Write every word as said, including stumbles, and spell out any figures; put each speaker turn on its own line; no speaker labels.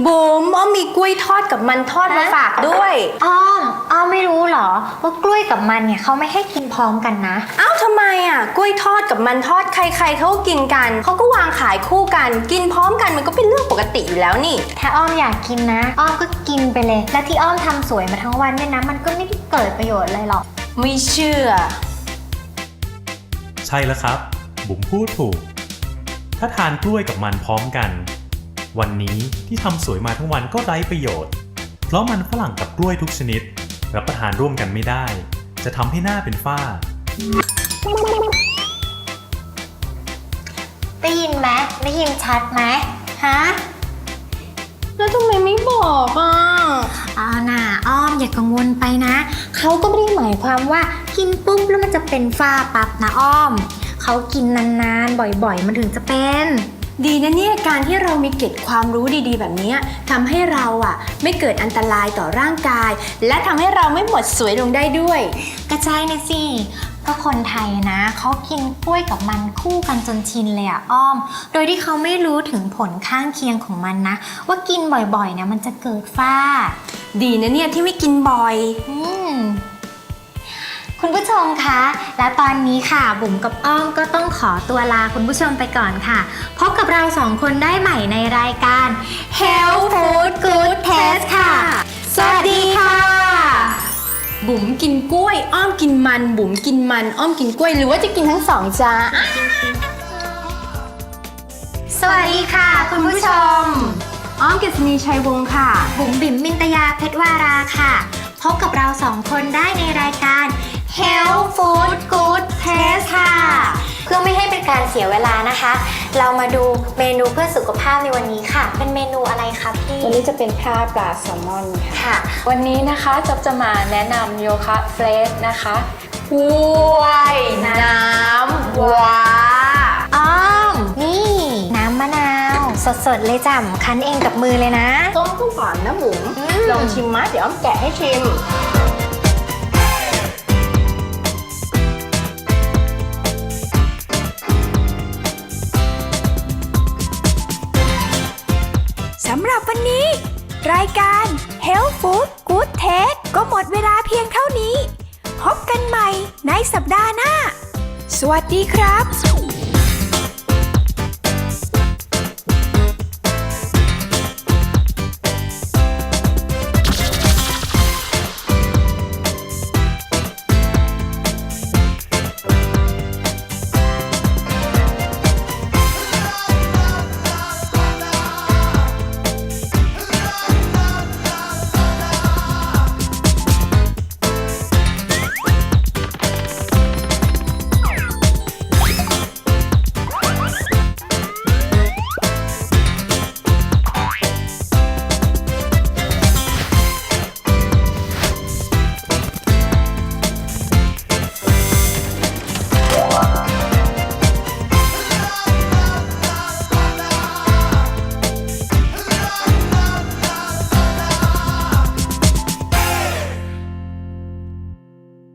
บุ๋มอ้อมมีกล้วยทอดกับมันทอดมาฝากด้วย
อ้อมอ้อมไม่รู้เหรอว่ากล้วยกับมันเนี่ยเขาไม่ให้กินพร้อมกันนะ
อ้าวทำไมอ่ะกล้วยทอดกับมันทอดใครๆเขาก็กินกันเขาก็วางขายคู่กันกินพร้อมกันมันก็เป็นเรื่องปกติอยู่แล้วนี่
ถ้าอ้อมอยากกินนะอ้อมก็กินไปเลยและที่อ้อมทำสวยมาทั้งวันเนี่ยนะมันก็ไม่ได้เกิดประโยชน์อะไรหรอก
ไม่เชื่อ
ใช่แล้วครับบุ๋มพูดถูกถ้าทานกล้วยกับมันพร้อมกันวันนี้ที่ทำสวยมาทั้งวันก็ไร้ประโยชน์เพราะมันฝรั่งกับกล้วยทุกชนิดรับประทานร่วมกันไม่ได้จะทำให้หน้าเป็นฝ้า
ได้ยินไหมได้ยินชัดไหมฮะ
แล้วทำไมไม่บอกอ่ะ
อ้าวน่ะอ้อมอย่ากังวลไปนะเขาก็ไม่ได้หมายความว่ากินปุ๊บแล้วมันจะเป็นฝ้าปั๊บนะอ้อมเขากินนานๆบ่อยๆมันถึงจะเป็น
ดีนะเนี่ยการที่เรามีเกร็ดความรู้ดีๆแบบนี้ทำให้เราอ่ะไม่เกิดอันตรายต่อร่างกายและทำให้เราไม่หมดสวยลงได้ด้วย
กระจายนะสิก็คนไทยนะเขากินกล้วยกับมันคู่กันจนชินเลยอะอ้อมโดยที่เขาไม่รู้ถึงผลข้างเคียงของมันนะว่ากินบ่อยๆเนี่ยมันจะเกิดฝ้า
ดีนะเนี่ยที่ไม่กินบ่อย
อืมคุณผู้ชมคะและตอนนี้ค่ะบุ๋มกับอ้อมก็ต้องขอตัวลาคุณผู้ชมไปก่อนค่ะพบกับเราสองคนได้ใหม่ในรายการ Health Food Good Taste ค่ะสวัสดีค่ะ
บุ๋มกินกล้วยอ้อมกินมันบุ๋มกินมันอ้อมกินกล้วยหรือว่าจะกินทั้งสองจ้า
สวัสดีค่ะคุณผู้ชม
อ้อมเกษณีชัยวงศ์ค่ะ
บุ๋มบิ่มมินตยาเพชรวาราค่ะพบกับเราสองคนได้ในรายการ Health Food Good Taste ค่ะเพื่อไม่ให้เป็นการเสียเวลานะคะเรามาดูเมนูเพื่อสุขภาพในวันนี้ค่ะเป็นเมนูอะไรคะพี่
วันนี้จะเป็นข้าวปลาแซลมอน
ค่ะ
วันนี้นะคะจ๊บจะมาแนะนำโยคะเฟรชนะคะ
กล้วยน้ำว้า
อ้อมนี่น้ำมะนาวสดๆเลยจ้ะคั้นเองกับมือเลยนะ
ต้มกุ้งก่อนนะบุ๋มลองชิมมะเดี๋ยวอ้อมแกะให้ชิม
สำหรับวันนี้รายการ Health Food Good Taste ก็หมดเวลาเพียงเท่านี้พบกันใหม่ในสัปดาห์หน้าสวัสดีครับ